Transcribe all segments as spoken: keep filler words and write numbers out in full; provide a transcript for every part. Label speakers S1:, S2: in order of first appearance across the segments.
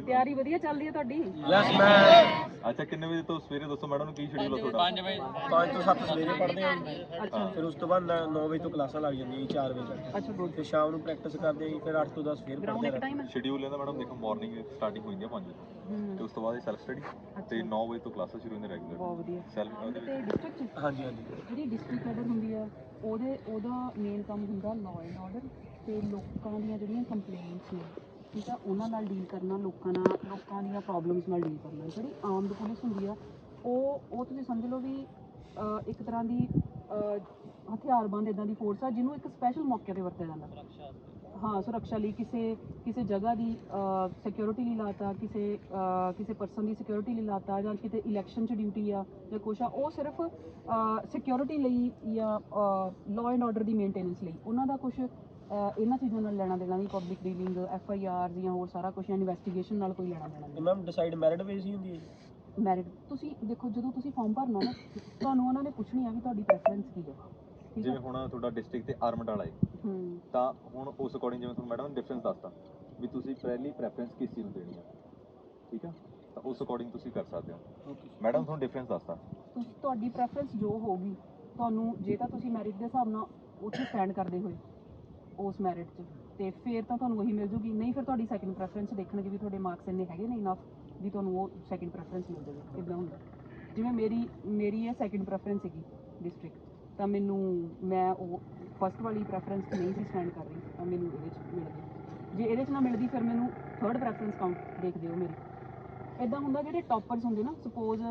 S1: ਤਿਆਰੀ ਵਧੀਆ ਚੱਲਦੀ ਹੈ ਤੁਹਾਡੀ?
S2: ਯਸ ਮੈਂ
S3: ਅੱਛਾ ਕਿੰਨੇ ਵਜੇ ਤੋਂ ਸਵੇਰੇ ਦੱਸੋ ਮੈਡਮ ਨੂੰ ਕੀ ਸ਼ਡਿਊਲ ਆ ਤੁਹਾਡਾ?
S4: ਪੰਜ ਵਜੇ
S2: ਪੰਜ ਤੋਂ ਸੱਤ ਸਵੇਰੇ ਪੜ੍ਹਦੇ ਹਾਂ ਜੀ।
S1: ਅੱਛਾ
S2: ਫਿਰ ਉਸ ਤੋਂ ਬਾਅਦ ਨੌ ਵਜੇ ਤੋਂ ਕਲਾਸਾਂ ਲੱਗ ਜਾਂਦੀਆਂ ਜੀ ਚਾਰ ਵਜੇ ਤੱਕ।
S1: ਅੱਛਾ ਗੁੱਡ।
S2: ਫਿਰ ਸ਼ਾਮ ਨੂੰ ਪ੍ਰੈਕਟਿਸ ਕਰਦੇ ਹਾਂ ਜੀ। ਫਿਰ ਅੱਠ ਤੋਂ ਦਸ ਫਿਰ
S1: ਗਰਾਊਂਡ
S2: ਪੜ੍ਹਦੇ
S1: ਇੱਕ
S2: ਹਾਂ।
S1: ਟਾਈਮ ਹੈ?
S3: ਸ਼ਡਿਊਲ ਇਹਦਾ ਮੈਡਮ ਦੇਖੋ ਮਾਰਨਿੰਗ ਸਟਾਰਟਿੰਗ ਹੋਈ ਹੈ ਪੰਜ ਵਜੇ ਤੇ ਉਸ ਤੋਂ ਬਾਅਦ ਸੈਲਫ ਸਟੱਡੀ ਤੇ ਨੌ ਵਜੇ ਤੋਂ ਕਲਾਸਾਂ ਸ਼ੁਰੂ ਹੁੰਦੀਆਂ ਰੈਗੂਲਰ।
S1: ਬਹੁਤ ਵਧੀਆ।
S3: ਸੈਲਫ ਉਹਦੇ
S1: ਤੇ
S3: ਵਿੱਚ
S1: ਡਿਸਟ੍ਰਿਕਟ
S2: ਹਾਂਜੀ ਹਾਂਜੀ।
S1: ਜਿਹੜੀ ਡਿਸਟ੍ਰਿਕਟ ਲੈਵਲ ਹੁੰਦੀ ਆ ਉਹਦੇ ਉਹਦਾ ਮੇਨ ਕੰਮ ਹੁੰਦਾ ਲਾਅ ਐਂਡ ਆਰਡਰ ਤੇ ਲੋਕਾਂ ਦੀਆਂ ਜਿਹੜੀਆਂ ਕੰਪਲੇਂਟਸ ਨੇ, ਠੀਕ ਆ, ਉਹਨਾਂ ਨਾਲ ਡੀਲ ਕਰਨਾ, ਲੋਕਾਂ ਨਾਲ ਲੋਕਾਂ ਦੀਆਂ ਪ੍ਰੋਬਲਮਸ ਨਾਲ ਡੀਲ ਕਰਨਾ। ਜਿਹੜੀ ਆਰਮਡ ਪੁਲਿਸ ਹੁੰਦੀ ਆ ਉਹ ਉਹ ਤੁਸੀਂ ਸਮਝ ਲਓ ਵੀ ਅਹ, ਇੱਕ ਤਰ੍ਹਾਂ ਦੀ ਅਹ, ਹਥਿਆਰਬੰਦ ਇੱਦਾਂ ਦੀ ਫੋਰਸ ਆ ਜਿਹਨੂੰ ਇੱਕ ਸਪੈਸ਼ਲ ਮੌਕੇ 'ਤੇ ਵਰਤਿਆ ਜਾਂਦਾ। ਹਾਂ, ਸੁਰੱਖਿਆ ਲਈ, ਕਿਸੇ ਕਿਸੇ ਜਗ੍ਹਾ ਦੀ ਸਿਕਿਉਰਿਟੀ ਲਈ ਲਾਤਾ, ਕਿਸੇ ਅਹ, ਕਿਸੇ ਪਰਸਨ ਦੀ ਸਿਕਿਉਰਿਟੀ ਲਈ ਲਾਤਾ, ਜਾਂ ਕਿਤੇ ਇਲੈਕਸ਼ਨ 'ਚ ਡਿਊਟੀ ਆ ਜਾਂ ਕੁਛ ਆ, ਉਹ ਸਿਰਫ ਸਿਕਿਉਰਿਟੀ ਲਈ ਜਾਂ ਲਾਅ ਐਂਡ ਆਰਡਰ ਦੀ ਮੇਨਟੇਨੈਂਸ ਲਈ। ਉਹਨਾਂ ਦਾ ਕੁਛ ਇਹਨਾਂ ਚੀਜ਼ਾਂ ਨਾਲ ਲੈਣਾ ਦੇਣਾ ਨਹੀਂ, public dealing, F I R ਜਾਂ ਹੋਰ ਸਾਰਾ ਕੁਛ, ਜਾਂ ਇਨਵੈਸਟੀਗੇਸ਼ਨ ਨਾਲ ਕੋਈ ਲੈਣਾ ਦੇਣਾ
S2: ਤੇ
S1: ਨਹੀਂ।
S2: ਮੈਮ ਡਿਸਾਈਡ ਮੈਰਿਟ ਬੇਸ ਹੀ ਹੁੰਦੀ ਹੈ ਜੀ?
S1: ਮੈਰਿਟ ਤੁਸੀਂ ਦੇਖੋ, ਜਦੋਂ ਤੁਸੀਂ ਫਾਰਮ ਭਰਨਾ ਨਾ ਤੁਹਾਨੂੰ ਉਹਨਾਂ ਨੇ ਪੁੱਛਣੀ ਆ ਵੀ ਤੁਹਾਡੀ ਪ੍ਰੈਫਰੈਂਸ ਕੀ ਹੈ, ਠੀਕ
S3: ਜਿਵੇਂ
S1: ਹੈ?
S3: ਹੁਣ ਤੁਹਾਡਾ ਡਿਸਟ੍ਰਿਕਟ ਤੇ ਆਰਮਡ ਵਾਲਾ ਹੈ
S1: ਹੂੰ
S3: ਤਾਂ ਹੁਣ ਉਸ ਅਕੋਰਡਿੰਗ ਜਿਵੇਂ ਤੁਹਾਨੂੰ ਮੈਡਮ ਨੇ ਡਿਫਰੈਂਸ ਦੱਸਤਾ ਵੀ ਤੁਸੀਂ ਪਹਿਲੀ ਪ੍ਰੈਫਰੈਂਸ ਕਿਸ ਚੀਜ਼ ਨੂੰ ਦੇਣੀ ਆ, ਠੀਕ ਆ, ਤਾਂ ਉਸ ਅਕੋਰਡਿੰਗ ਤੁਸੀਂ ਕਰ ਸਕਦੇ ਹੋ। ਮੈਡਮ ਤੁਹਾਨੂੰ ਡਿਫਰੈਂਸ ਦੱਸਤਾ
S1: ਤੁਸੀਂ ਤੁਹਾਡੀ ਪ੍ਰੈਫਰੈਂਸ ਜੋ ਹੋਊਗੀ ਤੁਹਾਨੂੰ, ਜੇ ਤਾਂ ਤੁਸੀਂ ਮੈਰਿਟ ਦੇ ਹਿਸਾਬ ਨਾਲ ਉੱਥੇ ਸਟੈਂਡ ਕਰਦੇ ਹੋਏ ਉਸ ਮੈਰਿਟ 'ਚ, ਤੇ ਫਿਰ ਤਾਂ ਤੁਹਾਨੂੰ ਉਹੀ ਮਿਲ ਜੂਗੀ। ਨਹੀਂ ਫਿਰ ਤੁਹਾਡੀ ਸੈਕਿੰਡ ਪ੍ਰੈਫਰੈਂਸ ਦੇਖਣਗੇ ਵੀ ਤੁਹਾਡੇ ਮਾਰਕਸ ਇੰਨੇ ਹੈਗੇ ਨੇ ਇਨਫ ਵੀ ਤੁਹਾਨੂੰ ਉਹ ਸੈਕਿੰਡ ਪ੍ਰੈਫਰੈਂਸ ਮਿਲ ਜਾਵੇ। ਇੱਦਾਂ ਹੁੰਦਾ। ਜਿਵੇਂ ਮੇਰੀ ਮੇਰੀ ਇਹ ਸੈਕਿੰਡ ਪ੍ਰੈਫਰੈਂਸ ਸੀਗੀ ਡਿਸਟ੍ਰਿਕਟ, ਤਾਂ ਮੈਨੂੰ ਮੈਂ ਉਹ ਫਸਟ ਵਾਲੀ ਪ੍ਰੈਫਰੈਂਸ 'ਚ ਨਹੀਂ ਸੀ ਸਟੈਂਡ ਕਰ ਰਹੀ, ਤਾਂ ਮੈਨੂੰ ਇਹਦੇ 'ਚ ਮਿਲ ਗਈ। ਜੇ ਇਹਦੇ 'ਚ ਨਾ ਮਿਲਦੀ ਫਿਰ ਮੈਨੂੰ ਥਰਡ ਪ੍ਰੈਫਰੈਂਸ ਕਾਊਂਟ ਦੇਖਦੇ ਹੋ ਮੇਰੀ। ਇੱਦਾਂ ਹੁੰਦਾ ਜਿਹੜੇ ਟੌਪਰਸ ਹੁੰਦੇ ਨਾ, ਸਪੋਜ਼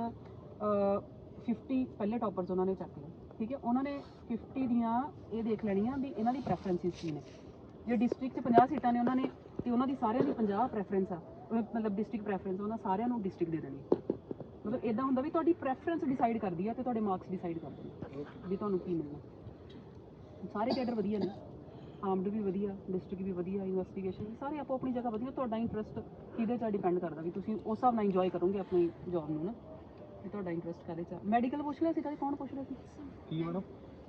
S1: ਫਿਫਟੀ ਪਹਿਲੇ ਟੌਪਰਸ ਉਹਨਾਂ ਨੇ ਚੱਕ ਲਏ, ਠੀਕ ਹੈ, ਉਹਨਾਂ ਨੇ ਫਿਫਟੀ ਦੀਆਂ ਇਹ ਦੇਖ ਲੈਣੀਆਂ ਵੀ ਇਹਨਾਂ ਦੀ ਪ੍ਰੈਫਰੈਂਸਿਸ ਕੀ ਨੇ। ਜੇ ਡਿਸਟ੍ਰਿਕਟ 'ਚ ਪੰਜਾਹ ਸੀਟਾਂ ਨੇ ਉਹਨਾਂ ਨੇ, ਤੇ ਉਹਨਾਂ ਦੀ ਸਾਰਿਆਂ ਦੀ ਪੰਜਾਹ ਪ੍ਰੈਫਰੈਂਸ ਆ, ਮਤਲਬ ਡਿਸਟ੍ਰਿਕਟ ਪ੍ਰੈਫਰੈਂਸ ਉਹਨਾਂ ਸਾਰਿਆਂ ਨੂੰ ਡਿਸਟ੍ਰਿਕਟ ਦੇ ਦੇਣੀ। ਮਤਲਬ ਇੱਦਾਂ ਹੁੰਦਾ ਵੀ ਤੁਹਾਡੀ ਪ੍ਰੈਫਰੈਂਸ ਡਿਸਾਈਡ ਕਰਦੀ ਆ ਤੇ ਤੁਹਾਡੇ ਮਾਰਕਸ ਡਿਸਾਈਡ ਕਰਦੇ ਨੇ ਵੀ ਤੁਹਾਨੂੰ ਕੀ ਮਿਲਣਾ। ਸਾਰੇ ਕੈਡਰ ਵਧੀਆ ਨੇ, ਆਰਮਡ ਵੀ ਵਧੀਆ, ਡਿਸਟ੍ਰਿਕਟ ਵੀ ਵਧੀਆ, ਇਨਵੈਸਟੀਗੇਸ਼ਨ ਵੀ, ਸਾਰੇ ਆਪੋ ਆਪਣੀ ਜਗ੍ਹਾ ਵਧੀਆ। ਤੁਹਾਡਾ ਇੰਟਰਸਟ ਕਿਹਦੇ 'ਚ ਡਿਪੈਂਡ ਕਰਦਾ ਵੀ ਤੁਸੀਂ ਉਸ ਹਿਸਾਬ ਨਾਲ ਇੰਜੋਏ ਕਰੋਗੇ ਆਪਣੀ ਜੌਬ ਨੂੰ ਨਾ, ਵੀ ਤੁਹਾਡਾ ਇੰਟਰਸਟ ਕਾਹਦੇ 'ਚ। ਮੈਡੀਕਲ ਪੁੱਛ ਲਿਆ ਸੀ ਕਦੇ? ਕੌਣ ਪੁੱਛ ਰਿਹਾ ਸੀ?
S3: ਕੀ ਮੈਡਮ?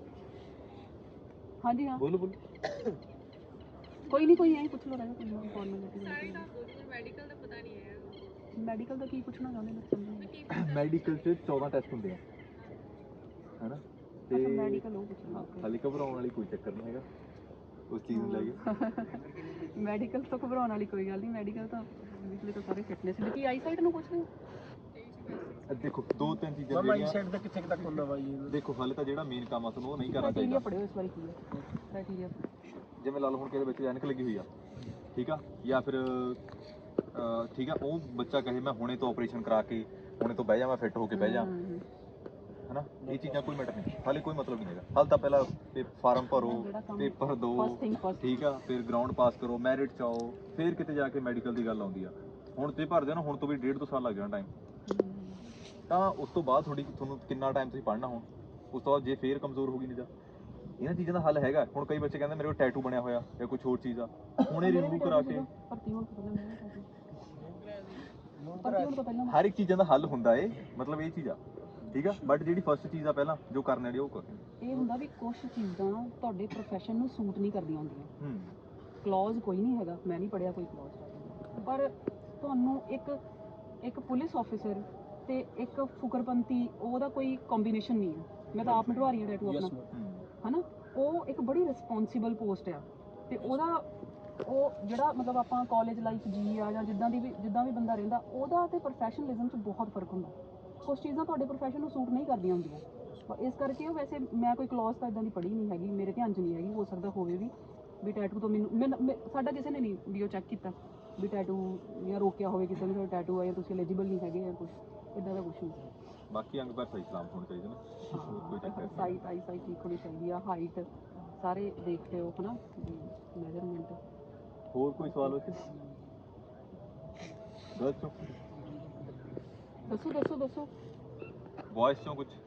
S1: ਹਾਂਜੀ ਹਾਂ
S3: ਬੋਲੋ ਬੋਲੋ।
S1: ਕੋਈ ਨਹੀਂ, ਕੋਈ ਐਂ ਪੁੱਛ ਲਓ, ਰਹਿਣਾ ਕੋਈ ਫਾਰਮੈਲਿਟੀ।
S5: ਮੈਡੀਕਲ ਦਾ ਪਤਾ ਨਹੀਂ ਹੈ।
S1: ਮੈਡੀਕਲ ਦਾ ਕੀ ਪੁੱਛਣਾ ਚਾਹੁੰਦੇ ਨੇ ਸਮਝ?
S3: ਮੈਡੀਕਲ 'ਚ ਚੌਦਾਂ ਟੈਸਟ ਹੁੰਦੇ ਆ, ਹੈਨਾ, ਤੇ
S1: ਮੈਡੀਕਲ ਉਹ ਪੁੱਛਣਾ।
S3: ਹਾਲੇ ਘਬਰਾਉਣ ਵਾਲੀ ਕੋਈ ਚੱਕਰ ਨਹੀਂ ਹੈਗਾ ਉਸ ਚੀਜ਼ ਨੂੰ ਲੈ ਕੇ।
S1: ਮੈਡੀਕਲ ਤੋਂ ਘਬਰਾਉਣ ਵਾਲੀ ਕੋਈ ਗੱਲ ਨਹੀਂ। ਮੈਡੀਕਲ ਤਾਂ ਵਿਚਲੇ ਤਾਂ ਸਾਰੇ ਫਿਟਨੈਸ ਦੇ। ਕੀ ਆਈ ਸਾਈਟ ਨੂੰ ਪੁੱਛ ਰਹੇ ਹੋ?
S3: ਦੇਖੋ ਦੋ ਤਿੰਨ ਚੀਜ਼ਾਂ
S2: ਮੈਮ ਆਈ
S3: ਜਿਹੜੀਆਂ
S2: ਸਾਈਡ ਦਾ ਕਿੱਥੇ ਕੁ ਤੱਕ ਹੁੰਦਾ ਵਾ ਜੀ?
S3: ਦੇਖੋ ਹਾਲੇ ਤਾਂ ਜਿਹੜਾ ਮੇਨ ਕੰਮ ਆ ਤੁਹਾਨੂੰ ਉਹ ਨਹੀਂ ਕਰਨਾ
S1: ਕ੍ਰਾਈਟੇਰੀਆ
S3: ਚਾਹੀਦਾ।
S1: ਪੜਿਓ ਇਸ ਵਾਰੀ ਕੀ ਹੈ ਕ੍ਰਾਈਟੇਰੀਆ।
S3: ਜਿਵੇਂ ਲਾ ਲਓ ਹੁਣ ਕਿਸੇ ਬੱਚੇ ਐਨਕ ਲੱਗੀ ਹੋਈ ਆ, ਠੀਕ ਆ, ਜਾਂ ਫਿਰ ਅਹ, ਠੀਕ ਆ, ਉਹ ਬੱਚਾ ਕਹੇ ਮੈਂ ਹੁਣੇ ਤੋਂ ਆਪਰੇਸ਼ਨ ਕਰਾ ਕੇ ਹੁਣੇ ਤੋਂ ਬਹਿ ਜਾ, ਮੈਂ ਫਿੱਟ ਹੋ ਕੇ ਬਹਿ ਜਾ, ਹਨਾ, ਇਹ ਚੀਜ਼ਾਂ ਕੋਈ ਮੈਟਰ ਨਹੀਂ। ਹਾਲੇ ਕੋਈ ਮਤਲਬ ਨਹੀਂ ਹੈਗਾ। ਹਾਲੇ ਤਾਂ ਪਹਿਲਾਂ ਫਾਰਮ ਭਰੋ, ਪੇਪਰ ਦਿਓ, ਠੀਕ ਆ, ਫਿਰ ਗਰਾਊਂਡ ਪਾਸ ਕਰੋ, ਮੈਰਿਟ 'ਚ ਆਓ, ਫਿਰ ਕਿਤੇ ਜਾ ਕੇ ਮੈਡੀਕਲ ਦੀ ਗੱਲ ਆਉਂਦੀ ਆ। ਹੁਣ ਤੇ ਭਰਦੇ ਹੋ ਨਾ, ਹੁਣ ਤੋਂ ਵੀ ਡੇਢ ਦੋ ਸਾਲ ਲੱਗ ਜਾਣਾ ਟਾਈਮ, ਤਾਂ ਉਸ ਤੋਂ ਬਾਅਦ ਤੁਹਾਡੀ ਤੁਹਾਨੂੰ ਕਿੰਨਾ ਟਾਈਮ ਤੁਸੀਂ ਪੜ੍ਹਨਾ ਹੁਣ, ਉਸ ਤੋਂ ਬਾਅਦ ਜੇ ਫੇਰ ਕਮਜ਼ੋਰ ਹੋ ਗਈ ਨਿਗਾਹ, ਇਹਨਾਂ ਚੀਜ਼ਾਂ ਦਾ ਹੱਲ ਹੈਗਾ। ਹੁਣ ਕਈ ਬੱਚੇ ਕਹਿੰਦੇ ਮੇਰੇ ਕੋਲ ਟੈਟੂ ਬਣਿਆ ਹੋਇਆ ਜਾਂ ਕੁਝ ਹੋਰ ਚੀਜ਼ ਆ, ਹੁਣੇ ਰਿਮੂਵ ਕਰਾ ਕੇ ਹਰ ਇੱਕ ਚੀਜ਼ਾਂ ਦਾ ਹੱਲ ਹੁੰਦਾ ਏ, ਮਤਲਬ ਇਹ ਚੀਜ਼ ਆ, ਠੀਕ ਆ। ਬਟ ਜਿਹੜੀ ਫਸਟ ਚੀਜ਼ ਆ ਪਹਿਲਾਂ ਜੋ ਕਰਨ ਵਾਲੀ ਉਹ ਕਰੋ।
S1: ਇਹ ਹੁੰਦਾ ਵੀ ਕੁਝ ਚੀਜ਼ਾਂ ਤੁਹਾਡੇ ਪ੍ਰੋਫੈਸ਼ਨ ਨੂੰ ਸੂਟ ਨਹੀਂ ਕਰਦੀਆਂ ਹੁੰਦੀਆਂ।
S3: ਹੂੰ,
S1: ਕਲੌਜ਼ ਕੋਈ ਨਹੀਂ ਹੈਗਾ, ਮੈਂ ਨਹੀਂ ਪੜਿਆ ਕੋਈ ਕਲੌਜ਼, ਪਰ ਤੁਹਾਨੂੰ ਇੱਕ ਇੱਕ ਪੁਲਿਸ ਆਫੀਸਰ ਤੇ ਇੱਕ ਫੁਕਰਪੰਤੀ ਉਹਦਾ ਕੋਈ ਕੰਬੀਨੇਸ਼ਨ ਨਹੀਂ ਹੈ। ਮੈਂ ਤਾਂ ਆਪ ਮਿਟਵਾ ਰਹੀ ਹਾਂ ਟੈਟੂ ਆਪਣਾ, ਹਨਾ। ਉਹ ਇੱਕ ਬੜੀ ਰਿਸਪੌਂਸੀਬਲ ਪੋਸਟ ਆ, ਤੇ ਉਹਦਾ ਉਹ ਜਿਹੜਾ ਮਤਲਬ ਆਪਾਂ ਕਾਲਜ ਲਾਈਫ ਜੀ ਆ ਜਾਂ ਜਿੱਦਾਂ ਦੀ ਵੀ ਜਿੱਦਾਂ ਵੀ ਬੰਦਾ ਰਹਿੰਦਾ, ਉਹਦਾ ਤੇ ਪ੍ਰੋਫੈਸ਼ਨਲਿਜ਼ਮ 'ਚ ਬਹੁਤ ਫਰਕ ਹੁੰਦਾ। ਕੁਛ ਚੀਜ਼ਾਂ ਤੁਹਾਡੇ ਪ੍ਰੋਫੈਸ਼ਨ ਨੂੰ ਸੂਟ ਨਹੀਂ ਕਰਦੀਆਂ ਹੁੰਦੀਆਂ, ਇਸ ਕਰਕੇ ਉਹ ਵੈਸੇ ਮੈਂ ਕੋਈ ਕਲੌਜ਼ ਤਾਂ ਇੱਦਾਂ ਦੀ ਪੜ੍ਹੀ ਨਹੀਂ ਹੈਗੀ, ਮੇਰੇ ਧਿਆਨ 'ਚ ਨਹੀਂ ਹੈਗੀ, ਹੋ ਸਕਦਾ ਹੋਵੇ ਵੀ ਵੀ ਟੈਟੂ ਤੋਂ ਮੈਨੂੰ ਮੈਂ ਸਾਡਾ ਕਿਸੇ ਨੇ ਨਹੀਂ ਵੀ ਉਹ ਚੈੱਕ ਕੀਤਾ ਵੀ ਟੈਟੂ ਜਾਂ ਰੋਕਿਆ ਹੋਵੇ ਕਿਸੇ ਨੇ ਟੈਟੂ ਆ ਜਾਂ ਤੁਸੀਂ ਐਲੀਜੀਬਲ ਨਹੀਂ ਹੈਗੇ ਜਾਂ ਕੁਛ ਇੱਦਾਂ ਦਾ ਕੁਛ ਨਹੀਂ।
S3: ਬਾਕੀ ਅੰਗ ਪਰ ਸਹੀ ਸਲਾਮਤ ਹੋਣੇ ਚਾਹੀਦੇ ਨੇ, ਕੋਈ ਚੱਕਰ ਨਹੀਂ।
S1: ਸਾਈਟ ਆਈ ਸਾਈਟ ਠੀਕ ਹੋਣੀ ਚਾਹੀਦੀ ਆ, ਹਾਈਟ ਸਾਰੇ ਦੇਖਦੇ ਹੋ, ਹਨਾ, ਮੈਜ਼ਰਮੈਂਟ।
S3: ਹੋਰ ਕੋਈ ਸਵਾਲ ਵਿੱਚ ਦੱਸੋ
S1: ਦੱਸੋ ਦੱਸੋ ਦੱਸੋ
S3: ਵੌਇਸ ਚੋਂ ਕੁਝ